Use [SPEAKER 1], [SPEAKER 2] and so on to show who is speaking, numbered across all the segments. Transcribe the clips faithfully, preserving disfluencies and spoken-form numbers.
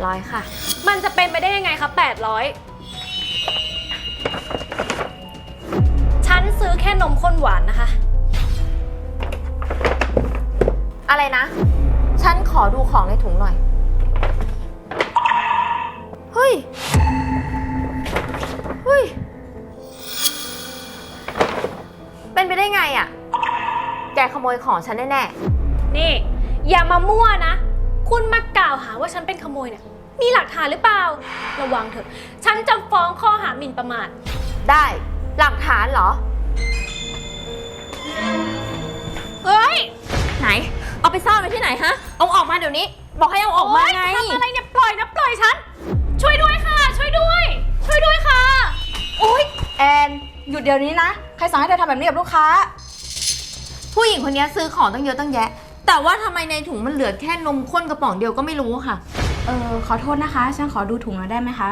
[SPEAKER 1] ร้อยค่ะ
[SPEAKER 2] มันจะเป็นไปได้ยังไงคะแปดร้อยฉันซื้อแค่นมข้นหวานนะคะ
[SPEAKER 1] อะไรนะฉันขอดูของในถุงหน่อยเฮ้ยเฮ้ยเป็นไปได้ไงอะแกขโมยของฉันแน่
[SPEAKER 2] ๆนี่อย่ามามั่วนะคุณมากล่าวหาว่าฉันเป็นขโมยเนี่ยมีหลักฐานหรือเปล่าระวังเถอะฉันจะฟ้องข้อหาหมิ่นประมาท
[SPEAKER 1] ได้หลักฐานเหรอ
[SPEAKER 2] เฮ้ย
[SPEAKER 1] ไหนเอาไปซ่อนไว้ที่ไหนฮะเอาออกมาเดี๋ยวนี้บอกให้เอาออกมาไง
[SPEAKER 2] ทำอะไรเนี่ยปล่อยนะปล่อยฉันช่วยด้วยค่ะช่วยด้วยช่วยด้วยค่ะ
[SPEAKER 3] โอ๊ยแอนหยุดเดี๋ยวนี้นะใครสั่งให้เธอทำแบบนี้กับลูกค้า
[SPEAKER 1] ผู้หญิงคนนี้ซื้อของตั้งเยอะตั้งแยะแต่ว่าทำไมในถุงมันเหลือแค่นมข้นกระป๋องเดียวก็ไม่รู้ค่ะ
[SPEAKER 3] เออขอโทษนะคะฉันขอดูถุงหน่อยได้ไหมคะ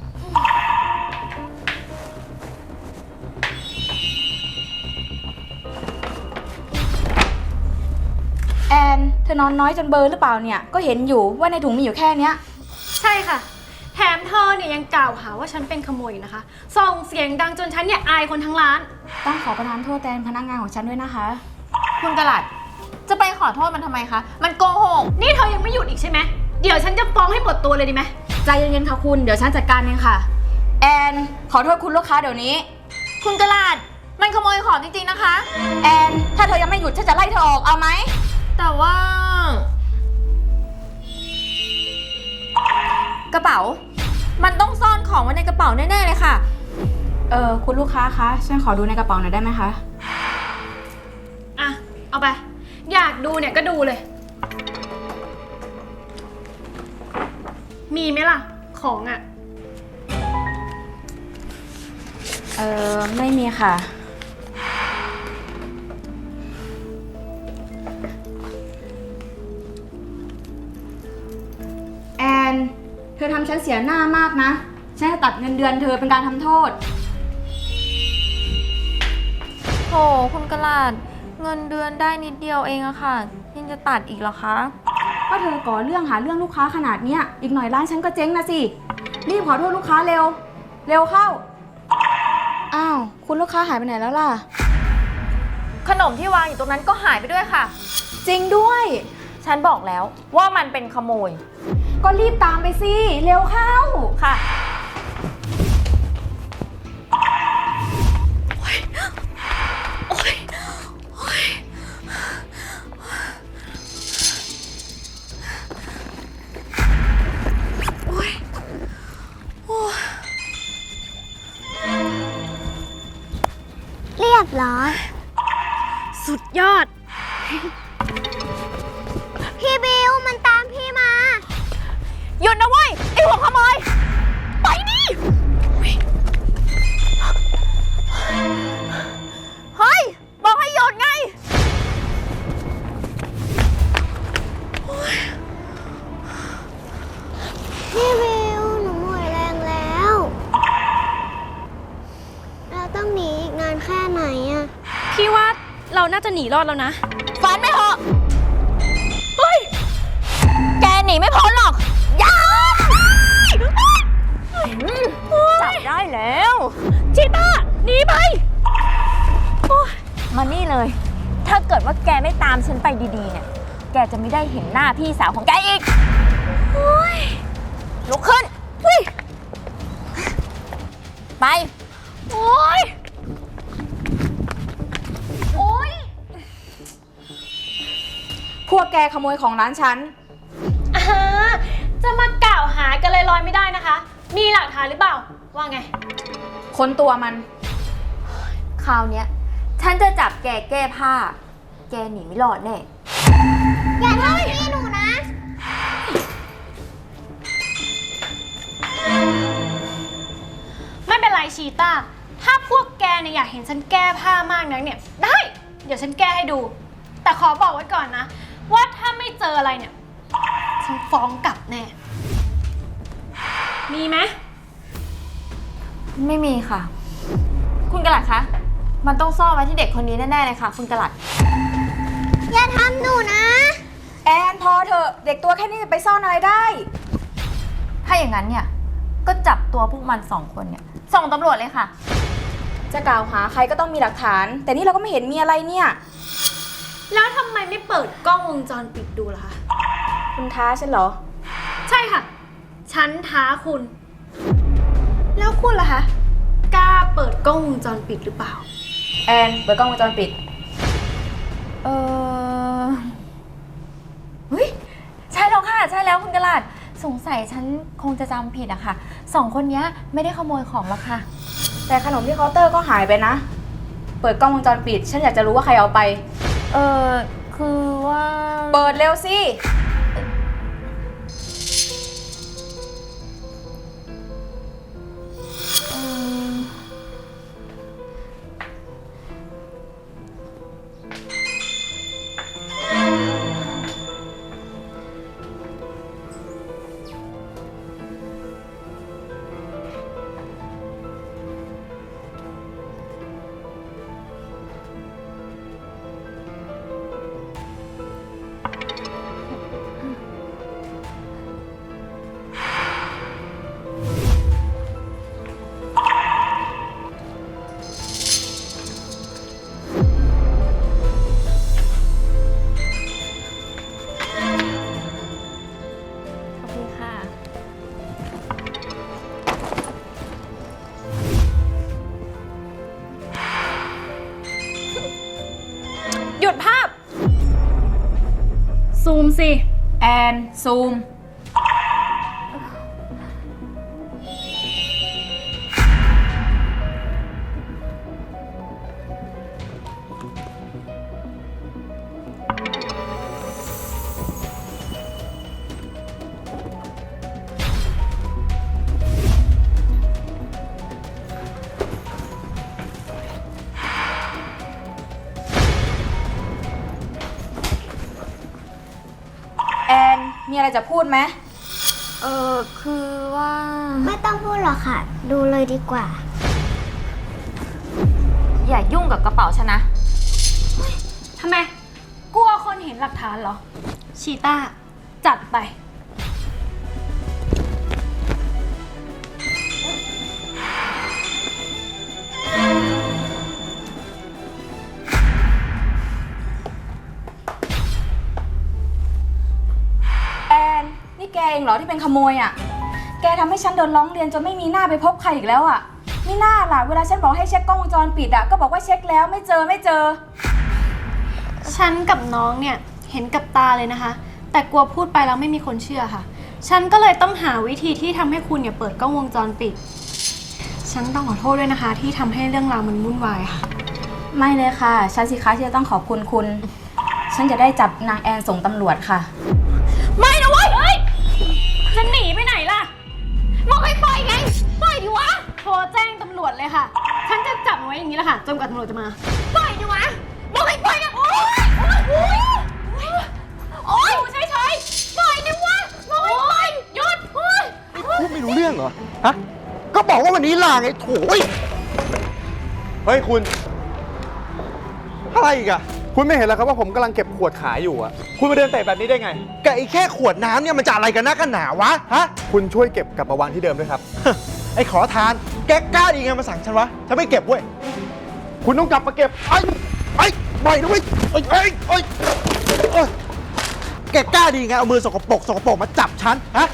[SPEAKER 3] แอนเธอนอนน้อยจนเบลอหรือเปล่าเนี่ยก็เห็นอยู่ว่าในถุงมีอยู่แค่เนี้ย
[SPEAKER 2] ใช่ค่ะแถมเธอเนี่ยยังกล่าวหาว่าฉันเป็นขโมยนะคะส่งเสียงดังจนฉันเนี่ยอายคนทั้งร้าน
[SPEAKER 3] ต้องขอประทานโทษแทนพนักงานของฉันด้วยนะคะ
[SPEAKER 1] คุณกระหลัดจะไปขอโทษมันทำไมคะมันโกหก
[SPEAKER 2] นี่เธอยังไม่หยุดอีกใช่ไหมเดี๋ยวฉันจะฟ้องให้หมดตัวเลยดีไหม
[SPEAKER 3] ใจเย็นๆค่ะคุณเดี๋ยวฉันจัดการเองค่ะแอนขอโทษคุณลูกค้าเดี๋ยวนี้
[SPEAKER 1] คุณกระหลัดมันขโมยของจริงๆนะคะ
[SPEAKER 3] แอนถ้าเธอยังไม่หยุดฉันจะไล่เธอออกเอาไหม
[SPEAKER 1] แต่ว่ากระเป๋ามันต้องซ่อนของไว้ในกระเป๋าแน่ๆเลยค่ะ
[SPEAKER 3] เออคุณลูกค้าคะฉันขอดูในกระเป๋าหน่อยได้ไหมคะ
[SPEAKER 2] อ่ะเอาไปอยากดูเนี่ยก็ดูเลยมีไหมล่ะของอ่ะ
[SPEAKER 3] เออไม่มีค่ะแอนเธอทำฉันเสียหน้ามากนะฉันจะตัดเงินเดือนเธอเป็นการทำโทษ
[SPEAKER 1] โหคุณกระหลัดเงินเดือนได้นิดเดียวเองอะค่ะยังจะตัดอีกเหรอคะ
[SPEAKER 3] ก็เธอก่อเรื่องหาเรื่องลูกค้าขนาดเนี้ยอีกหน่อยร้านฉันก็เจ๊งนะสิรีบขอโทษลูกค้าเร็วเร็วเข้าอ้าวคุณลูกค้าหายไปไหนแล้วล่ะ
[SPEAKER 1] ขนมที่วางอยู่ตรงนั้นก็หายไปด้วยค่ะ
[SPEAKER 3] จริงด้วย
[SPEAKER 1] ฉันบอกแล้วว่ามันเป็นขโมย
[SPEAKER 3] ก็รีบตามไปสิเร็วเข้า
[SPEAKER 1] ค่ะ
[SPEAKER 4] เรียบร้อย
[SPEAKER 2] สุดยอด
[SPEAKER 4] พี่บิวมันตามพี่มา
[SPEAKER 1] หยุดนะเว้ยไอ้หัวขโมยไปดิเฮ้ยบอกให้หยุดไง
[SPEAKER 4] พี่บิวหนูหมดแรงแล้วเราต้องหนีอีกนานแค่ไหนอะ
[SPEAKER 2] พี่ว่าเราน่าจะหนีรอดแล้วนะ
[SPEAKER 1] ฝันไม่เหรอเฮ้ยแกหนีไม่พ้นหรอกอย่าจับได้แล้ว
[SPEAKER 2] ชิต้าหนีไป
[SPEAKER 1] มานี่เลยถ้าเกิดว่าแกไม่ตามฉันไปดีๆเนี่ยแกจะไม่ได้เห็นหน้าพี่สาวของแกอีกลุกขึ้นไป
[SPEAKER 2] โอ๊ยโอ๊ย
[SPEAKER 3] พวกแกขโมยของร้านฉัน
[SPEAKER 2] อ่าจะมากล่าวหากันลอยๆไม่ได้นะคะมีหลักฐานหรือเปล่าว่าไง
[SPEAKER 3] ค้นตัวมัน
[SPEAKER 1] คราวเนี้ยฉันจะจับแกแก้ผ้าแกหนีไม่รอดแน่
[SPEAKER 4] อย่าทำพี่หนูนะ
[SPEAKER 2] ไม่เป็นไรชีต้าถ้าพวกแกเนี่ยอยากเห็นฉันแก้ผ้ามากนักเนี่ยได้เดี๋ยวฉันแก้ให้ดูแต่ขอบอกไว้ก่อนนะว่าถ้าไม่เจออะไรเนี่ยฉันฟ้องกลับแน่มีไหม
[SPEAKER 1] ไม่มีค่ะคุณกระหลัดคะมันต้องซ่อนไว้ที่เด็กคนนี้แน่ๆเลยค่ะคุณกระหลัด
[SPEAKER 4] อย่าทำหนูนะ
[SPEAKER 3] แอนพอเถอะเด็กตัวแค่นี้จะไปซ่อนอะไรได้
[SPEAKER 1] ถ้าอย่างนั้นเนี่ยก็จับตัวพวกมันสองคนเนี่ยส่งตำรวจเลยค่ะ
[SPEAKER 3] จะกล่าวหาใครก็ต้องมีหลักฐาน แต่นี่เราก็ไม่เห็นมีอะไรเนี่ย
[SPEAKER 2] แล้วทำไมไม่เปิดกล้องวงจรปิดดูล่ะคะ
[SPEAKER 3] คุณท้าฉันเหรอ
[SPEAKER 2] ใช่ค่ะ ฉันท้าคุณ แล้วคุณล่ะคะ กล้าเปิดกล้องวงจรปิดหรือเปล่า
[SPEAKER 3] แอนเปิดกล้องวงจรปิด
[SPEAKER 1] เออเฮ้ยใช่แล้วค่ะ ใช่แล้วคุณกระลาดสงสัยฉันคงจะจำผิดอะค่ะสองคนนี้ไม่ได้ขโมยของหรอกค่ะ
[SPEAKER 3] แต่ขนมที่เคาน์เตอร์ก็หายไปนะ เปิดกล้องวงจรปิด ฉันอยากจะรู้ว่าใครเอาไป
[SPEAKER 1] เออคือว่า
[SPEAKER 3] เปิดเร็วสิ
[SPEAKER 1] เอ่อ ขอบคุณค่ะ
[SPEAKER 2] หยุดภาพ ซูมสิ
[SPEAKER 3] แอน ซูม แอน มีอะไรจะพูดไหม
[SPEAKER 1] เออคือว่า
[SPEAKER 4] ไม่ต้องพูดหรอกค่ะ ดูเลยดีกว่า
[SPEAKER 1] อย่ายุ่งกับกระเป๋าฉันนะ
[SPEAKER 2] ทำไม กลัวคนเห็นหลักฐานเหรอ ชีต้า จัดไป
[SPEAKER 3] แอน นี่แกเองเหรอที่เป็นขโมยอ่ะ แกทำให้ฉันโดนร้องเรียนจนไม่มีหน้าไปพบใครอีกแล้วอ่ะไม่น่าล่ะ เวลาฉันบอกให้เช็คกล้องวงจรปิดอ่ะ ก็บอกว่าเช็คแล้วไม่เจอไม่เจอ
[SPEAKER 2] ฉันกับน้องเนี่ยเห็นกับตาเลยนะคะ แต่กลัวพูดไปแล้วไม่มีคนเชื่อค่ะ ฉันก็เลยต้องหาวิธีที่ทำให้คุณเนี่ยเปิดกล้องวงจรปิด ฉันต้องขอโทษด้วยนะคะ ที่ทำให้เรื่องราวมันวุ่นวายค่ะ
[SPEAKER 3] ไม่เลยค่ะ ฉันสิคะที่จะต้องขอบคุณคุณ ฉันจะได้จับนางแอนส่งตำรวจค่ะ
[SPEAKER 2] ไม่นะเว้ยเอ้ยจะหนีไปไหนล่ะบอกให้ปล่อยไง ปล่อยดิวะ โทรแจ้งตำรวจเลยค่ะ ฉันจะจับมันไว้อย่างนี้แหละค่ะจนกว่าตำรวจจะมา ปล่อยดิวะบอกให้ปล่อยนะโอ๊ยโอ๊ยโอ๊ยโอ๊ยใช่ใช่ปล่อยดิวะบอกให้ปล่อยหยุดโอ๊ย
[SPEAKER 5] พูดไม่รู้เรื่องเหรอ ฮะ ก็บอกว่าวันนี้ลาไงโถยเฮ้ยคุณ อะไรอีกอะคุณไม่เห็นแล้วครับว่าผมกำลังเก็บขวดขายอยู่อะคุณมาเดินเตะแบบนี้ได้ไงแกไอ้แค่ขวดน้ำเนี่ยมันจะอะไรกันนักกันหนาวะ ฮะ คุณช่วยเก็บกลับมาวางที่เดิมด้วยครับ ไอ้ขอทาน แกกล้าดีไงมาสั่งฉันวะ ฉันไม่เก็บเว้ย คุณต้องกลับมาเก็บ ไอ้ ไอ้ปล่อยนะเว้ยไอ้ไอ้ไอ้เอ้ยแกกล้าดีไงเอามือสกปรกสกปรกมาจับฉัน ฮะ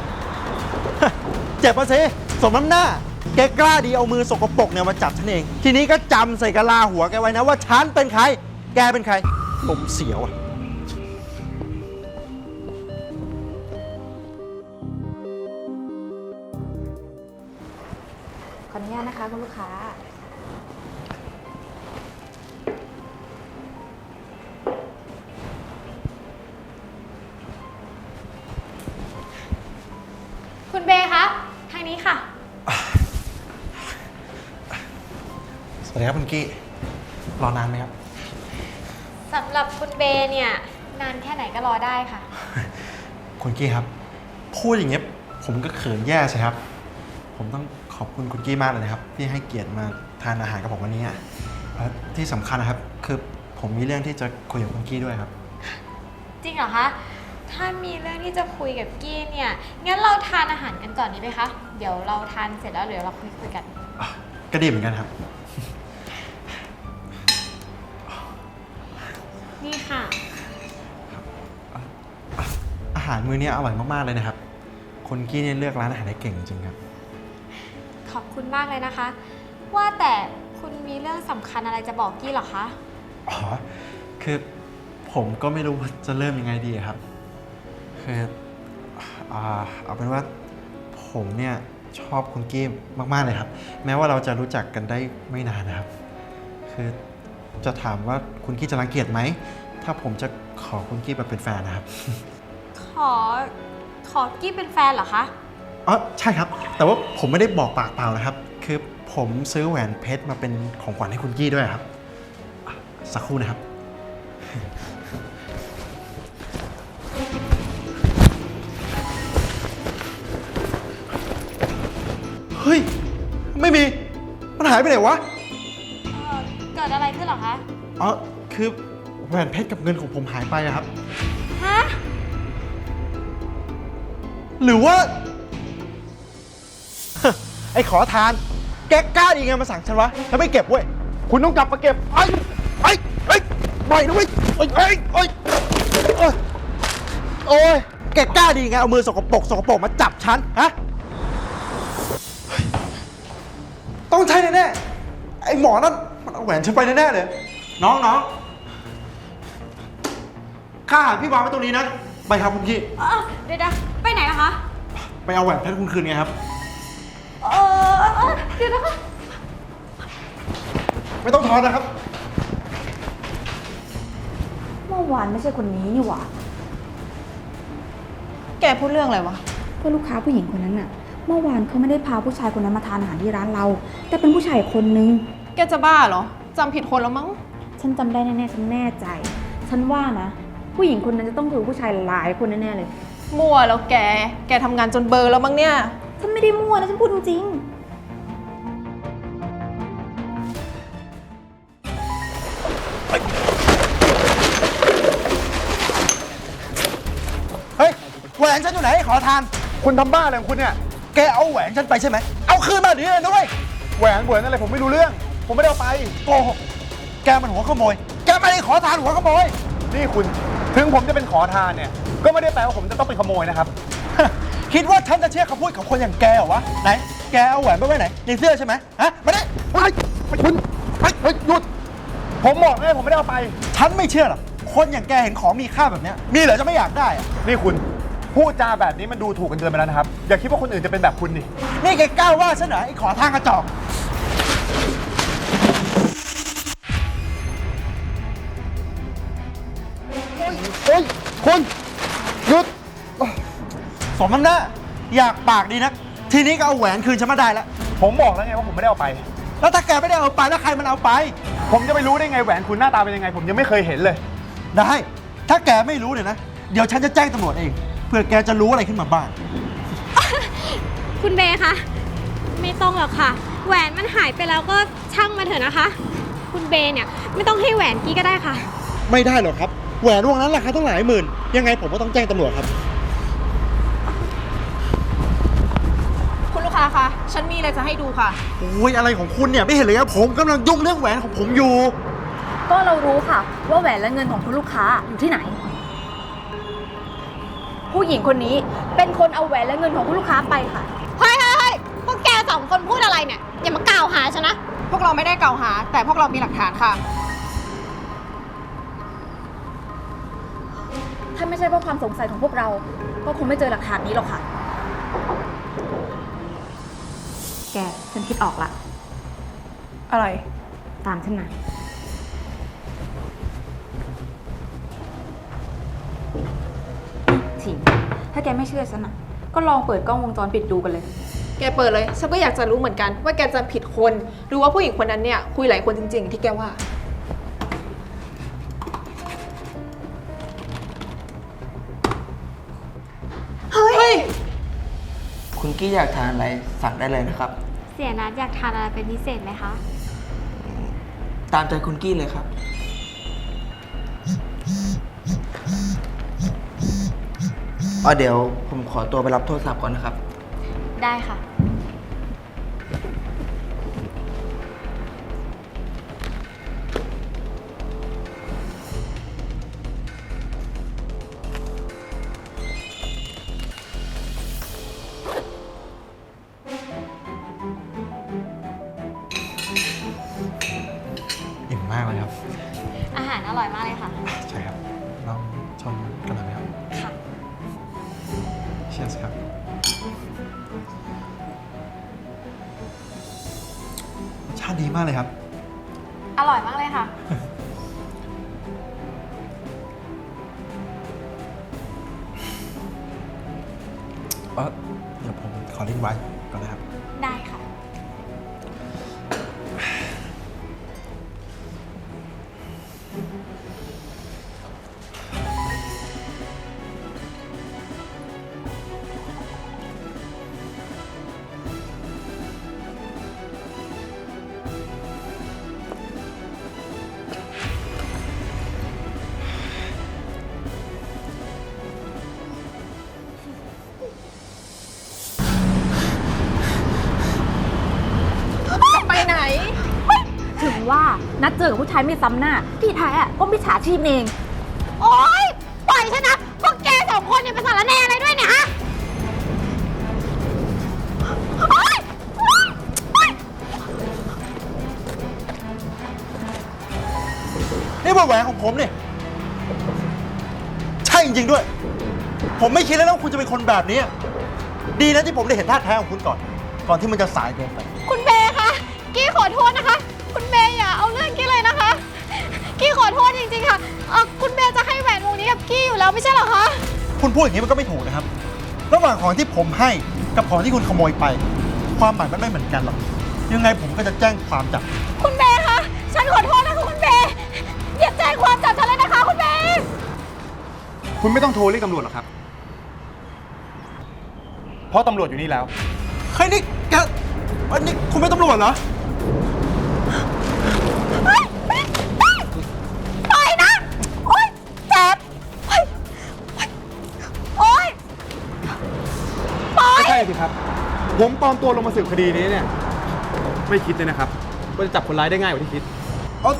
[SPEAKER 5] เจ็บมาสิสมน้ำหน้า แกกล้าดีเอามือสกปรกเนี่ยมาจับฉันเอง ทีนี้ก็จำใส่กะลาหัวแกไว้นะว่าฉันเป็นใคร แกเป็นใครลมเสียวอ่ะ
[SPEAKER 3] ขออนุญาตนะคะคุณลูกค้า
[SPEAKER 2] คุณเบย์คะ ทางนี้ค่ะ
[SPEAKER 5] สวัสดีครับคุณกี้ รอนานไหมครับ
[SPEAKER 6] สำหรับคุณเบย์เนี่ย นานแค่ไหนก็รอได้ค่ะ
[SPEAKER 5] คุณกี้ครับ พูดอย่างเงี้ยผมก็เขินแย่ใช่ครับ ผมต้องขอบคุณคุณกี้มากเลยนะครับ ที่ให้เกียรติมาทานอาหารกับผมวันนี้อ่ะและที่สำคัญนะครับ คือผมมีเรื่องที่จะคุยกับคุณกี้ด้วยครับ
[SPEAKER 6] จริงเหรอคะถ้ามีเรื่องที่จะคุยกับกี้เนี่ย งั้นเราทานอาหารกันก่อนดีไหมคะ เดี๋ยวเราทานเสร็จแล้วเดี๋ยวเราคุยคุยกัน
[SPEAKER 5] ก็ดีเหมือนกันครับ
[SPEAKER 6] นี่ค่ะ
[SPEAKER 5] อาหารมื้อนี้อร่อยมากๆเลยนะครับคุณกี้เนี่ยเลือกร้านอาหารได้เก่งจริงๆครับ
[SPEAKER 6] ขอบคุณมากเลยนะคะ ว่าแต่คุณมีเรื่องสำคัญอะไรจะบอกกี้เหรอคะ
[SPEAKER 5] อ๋อ คือผมก็ไม่รู้ว่าจะเริ่มยังไงดีครับ คืออ่าเอาเป็นว่าผมเนี่ยชอบคุณกี้มากๆเลยครับ แม้ว่าเราจะรู้จักกันได้ไม่นานนะครับ คือจะถามว่าคุณกี้จะรังเกียจไหม ถ้าผมจะขอคุณกี้มาเป็นแฟนนะครับ
[SPEAKER 6] ขอ ขอกี้เป็นแฟนเหรอคะ
[SPEAKER 5] อ๋อใช่ครับ แต่ว่าผมไม่ได้บอกปากเปล่านะครับ คือผมซื้อแหวนเพชรมาเป็นของขวัญให้คุณกี้ด้วยครับอ่ะสักครู่นะครับ เฮ้ย ไม่มี มันหายไปไหนวะ
[SPEAKER 6] เอ่อ เกิดอะไรขึ้นเหรอคะ
[SPEAKER 5] อ๋อ คือแหวนเพชรกับเงินของผมหายไปอะครับ
[SPEAKER 6] ฮะ
[SPEAKER 5] หรือว่า ไอ้ขอทาน แกกล้าดีไงมาสั่งฉันวะฉันไม่เก็บเว้ย คุณต้องกลับมาเก็บไอ้ไอ้ไอ้ปล่อยนะเว้ยไอ้ไอ้ไอ้โอ้ยโอ้ยแกกล้าดีไงเอามือสกปรกสกปรกมาจับฉันฮะเฮ้ยต้องใช่แน่ๆไอ้หมอนั่นมันเอาแหวนฉันไปแน่ๆเลย น้องน้องค่าอาหารพี่วางไว้ตรงนี้นะไปครับคุณพี่
[SPEAKER 6] เอ่อเดี๋ยวนะไปไหนล่ะคะ
[SPEAKER 5] ไปเอาแหวนเพชรคุณคืนไงครับ
[SPEAKER 6] เออเออเดี๋ยวนะคะ
[SPEAKER 5] ไม่ต้องทอนนะครับ
[SPEAKER 3] เมื่อวานไม่ใช่คนนี้นี่หว่า
[SPEAKER 2] แกพูดเรื่องอะไรวะ
[SPEAKER 3] ก็ลูกค้าผู้หญิงคนนั้นน่ะ เมื่อวานเขาไม่ได้พาผู้ชายคนนั้นมาทานอาหารที่ร้านเรา แต่เป็นผู้ชายอีกคนนึง
[SPEAKER 2] แกจะบ้าเหรอจำผิดคนแล้วมั้ง
[SPEAKER 3] ฉันจำได้แน่ๆฉันแน่ใจ ฉันว่านะ ผู้หญิงคนนั้นจะต้องคือผู้ชายหลายคนแน่ๆเลย
[SPEAKER 2] มั่วแล้วแก แกทำงานจนเบลอแล้วมั้งเนี่ย
[SPEAKER 3] ฉันไม่ได้มั่วนะฉันพูดจริง
[SPEAKER 5] เฮ้ยแหวนฉันอยู่ไหนขอทาน คุณทำบ้าอะไรของคุณเนี่ย แกเอาแหวนฉันไปใช่ไหม เอาคืนมาเดี๋ยวนี้เลยด้วยแหวนแหวนอะไรผมไม่รู้เรื่อง ผมไม่ได้เอาไปโกหกแกมันหัวขโมย แกไม่ได้ขอทานหัวขโมย นี่คุณ ถึงผมจะเป็นขอทานเนี่ย ก็ไม่ได้แปลว่าผมจะต้องเป็นขโมยนะครับ คิดว่าฉันจะเชื่อคำพูดของคนอย่างแกเหรอวะ ไหน แกเอาแหวนไปไว้ไหน ในเสื้อใช่ไหมฮะมาดิเฮ้ยคุณเฮ้ยเฮ้ยหยุด ผมบอกเลยผมไม่ได้เอาไป ฉันไม่เชื่อหรอก คนอย่างแกเห็นของมีค่าแบบเนี้ยมีเหรอจะไม่อยากได้อะนี่คุณ พูดจาแบบนี้มันดูถูกกันเกินไปแล้วนะครับ อย่าคิดว่าคนอื่นจะเป็นแบบคุณดิ นี่แกกล้าว่าฉันเหรอไอ้ขอทางกระจอกเฮ้ยคุณหยุดสมน้ำหน้าอยากปากดีนะทีนี้ก็เอาแหวนคืนฉันมาได้แล้ว ผมบอกแล้วไงว่าผมไม่ได้เอาไป แล้วถ้าแกไม่ได้เอาไปแล้วใครมันเอาไป ผมจะไปรู้ได้ไงแหวนคุณหน้าตาเป็นยังไง ผมยังไม่เคยเห็นเลย ได้ ถ้าแกไม่รู้เนี่ยนะ เดี๋ยวฉันจะแจ้งตำรวจเอง เพื่อแกจะรู้อะไรขึ้นมาบ้าง
[SPEAKER 6] คุณเบย์คะ ไม่ต้องหรอกค่ะ แหวนมันหายไปแล้วก็ช่างมาเถอะนะคะ คุณเบย์เนี่ยไม่ต้องให้แหวนกี้ก็ได้ค่ะ
[SPEAKER 5] ไม่ได้หรอกครับ แหวนวงนั้นราคาต้องหลายหมื่น ยังไงผมก็ต้องแจ้งตำรวจครับ
[SPEAKER 2] คุณลูกค้าคะ ฉันมีอะไรจะให้ดูค่ะ
[SPEAKER 5] โอ้ยอะไรของคุณเนี่ยไม่เห็นเลยครับผมกำลังยุ่งเรื่องแหวนของผมอยู่
[SPEAKER 3] ๆ ก็เรารู้ค่ะว่าแหวนและเงินของคุณลูกค้าอยู่ที่ไหน ผู้หญิงคนนี้เป็นคนเอาแหวนและเงินของคุณลูกค้าไปค่ะ
[SPEAKER 6] เฮ้ยเฮ้ยเฮ้ยพวกแกสองคนพูดอะไรเนี่ย อย่ามากล่าวหาฉันนะ
[SPEAKER 2] พวกเราไม่ได้กล่าวหา แต่พวกเรามีหลักฐานค่ะ
[SPEAKER 3] ถ้าไม่ใช่เพราะความสงสัยของพวกเรา ก็คงไม่เจอหลักฐานนี้หรอกค่ะ แก ฉันคิดออกละ
[SPEAKER 2] อะไร
[SPEAKER 3] ตามฉันมาถิงถ้าแกไม่เชื่อฉันอ่ะ ก็ลองเปิดกล้องวงจรปิดดูกันเลย
[SPEAKER 2] แกเปิดเลย ฉันก็อยากจะรู้เหมือนกันว่าแกจำผิดคน หรือว่าผู้หญิงคนนั้นเนี่ยคุยหลายคนจริงๆ ที่แกว่า เฮ้ย
[SPEAKER 7] คุณกี้อยากทานอะไรสั่งได้เลยนะครับ
[SPEAKER 6] เสียนัดอยากทานอะไรเป็นพิเศษไหมคะ
[SPEAKER 7] ตามใจคุณกี้เลยครับอ๋อเดี๋ยวผมขอตัวไปรับโทรศัพท์ก่อนนะครับ
[SPEAKER 6] ได้ค่ะ
[SPEAKER 5] อิ่มมากเลยครับ
[SPEAKER 6] อาหารอร่อยมากเลยค่ะ
[SPEAKER 5] ใช่ครับลองชมกันหน่อยไหมครับ
[SPEAKER 6] ค่ะ
[SPEAKER 5] เชียร์สครับ ชาติดีมากเลยครับ
[SPEAKER 6] อร่อยมากเลยค่ะ
[SPEAKER 5] เออเดี๋ยวผมขอลิงก์ไว้ก่อนนะครับ
[SPEAKER 6] ได้ค่ะ
[SPEAKER 3] ไปไหน ถึงว่านัดเจอกับผู้ชายไม่ซ้ำหน้า ที่แท้อะก็มิจฉาชีพเอง
[SPEAKER 6] โอ๊ย ปล่อยฉันนะ พวกแกสองคนเนี่ยเป็นสารแหน่อะไรด้วยเนี่ยฮะ โอ๊ย
[SPEAKER 5] นี่มันแหวนของผมเนี่ยใช่จริงๆด้วย ผมไม่คิดเลยนะว่าคุณจะเป็นคนแบบนี้ ดีนะที่ผมได้เห็นท่าแท้ของคุณก่อน ก่อนที่มันจะสายเกินไป
[SPEAKER 6] คุณเบย์คะ กี้ขอโทษนะคะ คุณเบย์อย่าเอาเรื่องกี้เลยนะคะ กี้ขอโทษจริงๆค่ะเอ่อคุณเบย์จะให้แหวนวงนี้กับกี้อยู่แล้วไม่ใช่เหรอคะ
[SPEAKER 5] คุณพูดอย่างนี้มันก็ไม่ถูกนะครับ ระหว่างของที่ผมให้กับของที่คุณขโมยไป ความหมายมันไม่เหมือนกันหรอก ยังไงผมก็จะแจ้งความจับ
[SPEAKER 6] คุณเบย์คะ ฉันขอโทษนะคะคุณเบย์อย่าแจ้งความจับฉันเลยนะคะคุณเบย์
[SPEAKER 5] คุณไม่ต้องโทรเรียกตำรวจหรอกครับ เพราะตำรวจอยู่นี่แล้วเฮ้ยนี่แกอันนี้คุณเป็นตำรวจเหรอ
[SPEAKER 6] ปล่อยนะ โอ๊ยเจ็บโอ๊ยโอ๊ยปล่อย
[SPEAKER 5] ไม่ใช่สิครับ ผมปลอมตัวลงมาสืบคดีนี้เนี่ย ไม่คิดเลยนะครับว่าจะจับคนร้ายได้ง่ายกว่าที่คิดอ๋อ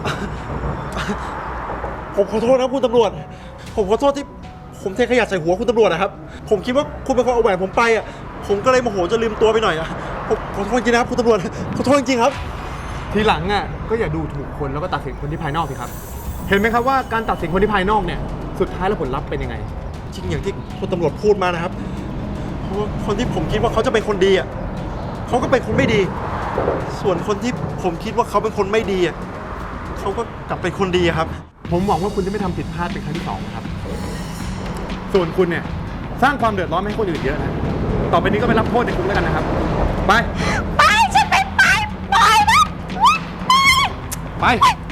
[SPEAKER 5] ผมขอโทษนะคุณตำรวจ ผมขอโทษที่ผมเทขยะใส่หัวคุณตำรวจนะครับ ผมคิดว่าคุณเป็นคนเอาแหวนผมไปอ่ะ ผมก็เลยโมโหจะลืมตัวไปหน่อยอ่ะ ผมขอโทษจริงนะครับคุณตำรวจ ขอโทษจริงครับ ทีหลังอ่ะก็อย่าดูถูกคนแล้วก็ตัดสินคนที่ภายนอกสิครับ เห็นไหมครับว่าการตัดสินคนที่ภายนอกเนี่ย สุดท้ายแล้วผลลัพธ์เป็นยังไง จริงอย่างที่คุณตำรวจพูดมานะครับ เพราะว่าคนที่ผมคิดว่าเขาจะเป็นคนดีอ่ะเขาก็เป็นคนไม่ดี ส่วนคนที่ผมคิดว่าเขาเป็นคนไม่ดีอ่ะเขาก็กลับเป็นคนดีอะครับ ผมหวังว่าคุณจะไม่ทำผิดพลาดเป็นครั้งที่สองครับ ส่วนคุณเนี่ยสร้างความเดือดร้อนให้คนอื่นเยอะนะ ต่อไปนี้ก็ไปรับโทษในคุกแล้วกันนะครับ ไป
[SPEAKER 6] ไป ฉันไม่ไป ปล่อยนะ
[SPEAKER 5] ไป